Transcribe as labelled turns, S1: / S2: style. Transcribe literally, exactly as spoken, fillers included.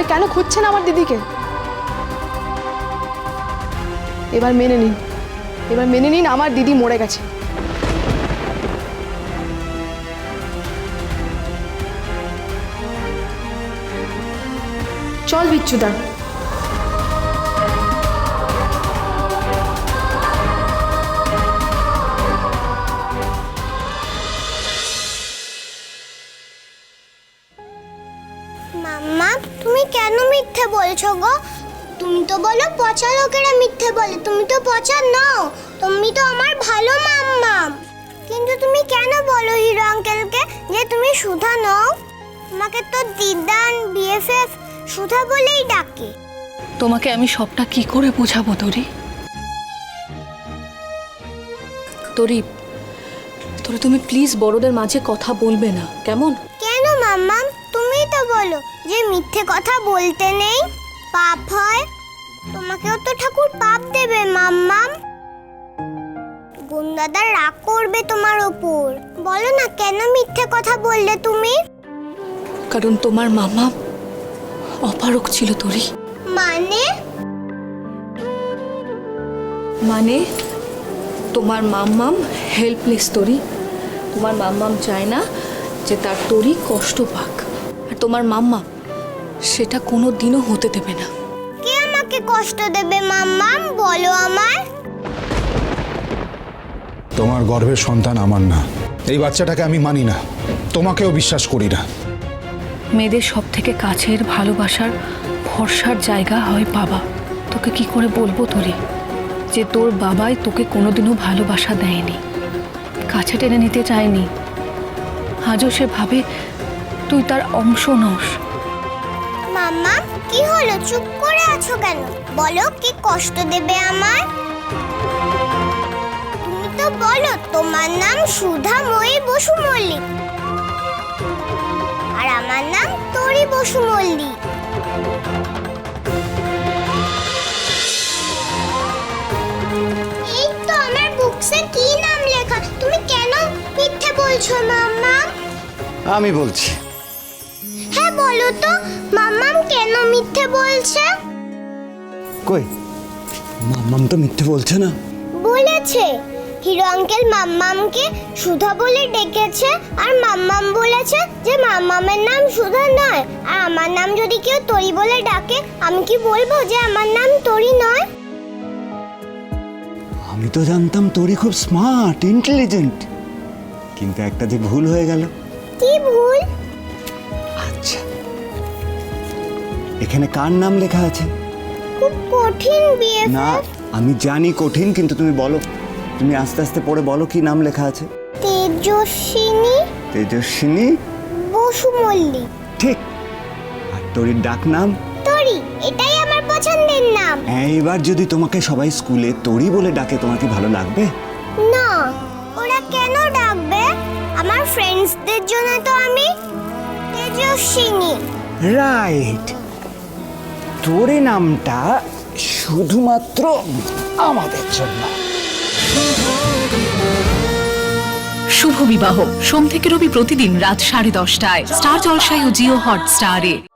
S1: তাহলে কেন খুঁজছেন আমার দিদিকে? এবার মেনে নিন, এবার মেনে নিন আমার দিদি মরে গেছে। চল বিচ্ছুদা।
S2: মাম্মা, তুমি কেন মিথ্যে বলছো গো? তুমি তো বলো পচা লোকেরা মিথ্যে বলে, তুমি তো পচা নও, তুমি তো আমার ভালো মাম্মা। কিন্তু তুমি কেন বলো হিরো আঙ্কেলকে যে তুমি সুধা নও? তোমাকে তো দিদান বিএফএফ সুধা বলেই ডাকে।
S3: তোমাকে আমি সবটা কি করে বোঝাবো তরি? তরি, তরি তুমি প্লিজ বড়দের মাঝে কথা বলবে না, কেমন?
S2: কেন মাম্মা? তুমিই তো বলো যে মিথ্যে কথা বলতে নেই, পাপ হয়। তোমাকেও তো ঠাকুর পাপ দেবে মাম্মা। গুন্দাদার রাগ করবে তোমার ওপর। বলো না কেন মিথ্যে কথা বললে তুমি?
S3: কারণ তোমার মামা অপারক ছিল তরি।
S2: মানে?
S3: মানে তোমার মাম্মাম হেল্পলেস তরি। তোমার মাম্মাম চায় না যে তার তরি কষ্ট পাক, আর তোমার মাম্মা সেটা কোনো দিনও হতে দেবে না।
S2: কে আমাকে কষ্ট দেবে মাম্মা? বলো আমার।
S4: তোমার গর্ভের সন্তান আমার না, এই বাচ্চাটাকে আমি মানি না, তোমাকেও বিশ্বাস করি না।
S3: মেয়েদের সব থেকে কাছের ভালোবাসার ভরসার জায়গা হয় বাবা। তোকে কি করে বলবো তরি যে তোর বাবাই তোকে কোনোদিনও ভালোবাসা দেয়নি, কাছে টেনে নিতে চায়নি। আজও সে ভাবে তুই তার অংশ নস।
S2: মাম্মা, কি হলো? চুপ করে আছো কেন? বলো কি কষ্ট দেবে আমার? তুমি তো বলো তোমার নাম সুধাময়ী বসু মল্লিক, আর আমার নাম তরি বসু মল্লিক। এই তো আমার বুকসে কি নাম লেখা। তুমি কেন মিথ্যে বলছো মাম্মা?
S5: আমি বলছি।
S2: হ্যাঁ বলো তো মাম্মাম কেন মিথ্যে বলছে?
S5: কই, মাম্মাম তো মিথ্যে বলছে না।
S2: বলেছে। হিরো আঙ্কেল মাম্মামকে সুধা বলে ডেকেছে, আর মাম্মাম বলেছে যে মাম্মামের নাম সুধা নয়। আর আমার নাম যদি কেউ তরি বলে ডাকে, আমি কি বলবো যে আমার নাম তরি নয়?
S5: আমি তো জানতাম তোরি খুব স্মার্ট, ইন্টেলিজেন্ট, কিন্তু একটা যে ভুল হয়ে গেল।
S2: কি ভুল?
S5: আচ্ছা, এখানে কার নাম লেখা আছে?
S2: খুব কঠিন বিয়ে।
S5: না, আমি জানি কঠিন, কিন্তু তুমি বলো, তুমি আস্তে আস্তে পড়ে বলো কি নাম লেখা আছে।
S2: তেজস্বিনী
S5: তেজস্বিনী
S2: বসু মল্লিক।
S5: ঠিক। আর তোরির ডাক নাম?
S2: তরি, এটাই আমার পছন্দের নাম।
S5: এইবার যদি তোমাকে সবাই স্কুলে তোরি বলে ডাকে, তোমার কি ভালো লাগবে?
S2: না। ওরা কেন ডাকবে? আমার ফ্রেন্ডসদের জন্য তো আমি তেজস্বিনী।
S5: রাইট। তোরে নামটা শুধুমাত্র আমাদের জন্য।
S6: শুভ বিবাহ সোম থেকে রবি প্রতিদিন রাত সাড়ে দশটায় স্টার জলসায় ও জিও হটস্টারে।